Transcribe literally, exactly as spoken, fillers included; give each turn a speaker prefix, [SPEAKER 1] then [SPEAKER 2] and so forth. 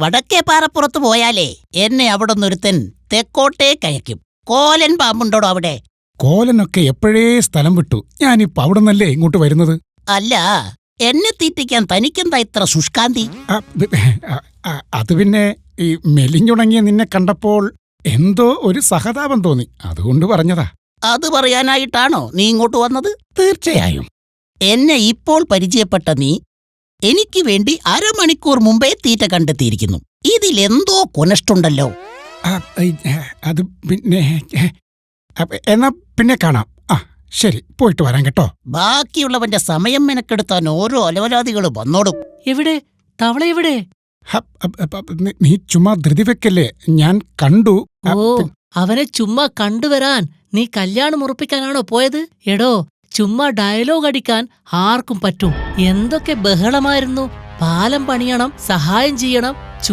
[SPEAKER 1] വടക്കേ പാറപ്പുറത്ത് പോയാലേ എന്നെ അവിടെ നിന്നൊരുത്തൻ തെക്കോട്ടേ കയക്കും. കോലൻ പാമ്പുണ്ടോടോ അവിടെ?
[SPEAKER 2] കോലനൊക്കെ എപ്പോഴേ സ്ഥലം വിട്ടു. ഞാനിപ്പോ അവിടെ നിന്നല്ലേ ഇങ്ങോട്ട് വരുന്നത്.
[SPEAKER 1] അല്ല, എന്നെ തീറ്റിക്കാൻ തനിക്കെന്താ ഇത്ര ശുഷ്കാന്തി?
[SPEAKER 2] ആ, ബ- ആ, ആ, അത് പിന്നെ ഈ മെലിഞ്ഞുണങ്ങിയ നിന്നെ കണ്ടപ്പോൾ എന്തോ ഒരു സഹതാപം തോന്നി, അതുകൊണ്ട് പറഞ്ഞതാ.
[SPEAKER 1] അത് പറയാനായിട്ടാണോ നീ ഇങ്ങോട്ട് വന്നത്?
[SPEAKER 2] തീർച്ചയായും.
[SPEAKER 1] എന്നെ ഇപ്പോൾ പരിചയപ്പെട്ട നീ എനിക്ക് വേണ്ടി അരമണിക്കൂർ മുമ്പേ തീറ്റ കണ്ടെത്തിയിരിക്കുന്നു. ഇതിലെന്തോ കൊനഷ്ടുണ്ടല്ലോ.
[SPEAKER 2] ആ, ഐ, അത് പിന്നെ അപ്പ- എന്നാ പിന്നെ കാണാം. ആ ശരി, പോയിട്ട് വരാം കേട്ടോ.
[SPEAKER 1] ബാക്കിയുള്ളവന്റെ സമയം മെനക്കെടുത്താൻ ഓരോ അലവലാദികൾ വന്നോടും.
[SPEAKER 3] എവിടെ തവള എവിടെ?
[SPEAKER 2] ഹ, അ- അ- അ- നീ- നീ ചുമ്മാ ധൃതി വെക്കല്ലേ, ഞാൻ കണ്ടു. ആ,
[SPEAKER 3] ഓ,
[SPEAKER 2] പി-
[SPEAKER 3] അവനെ ചുമ്മാ കണ്ടുവരാൻ നീ കല്യാണം ഉറപ്പിക്കാനാണോ പോയത്? എടോ, ചുമ്മാ ഡയലോഗ് അടിക്കാൻ ആർക്കും പറ്റും. എന്തൊക്കെ ബഹളമായിരുന്നു. പാലം പണിയണം, സഹായം ചെയ്യണം,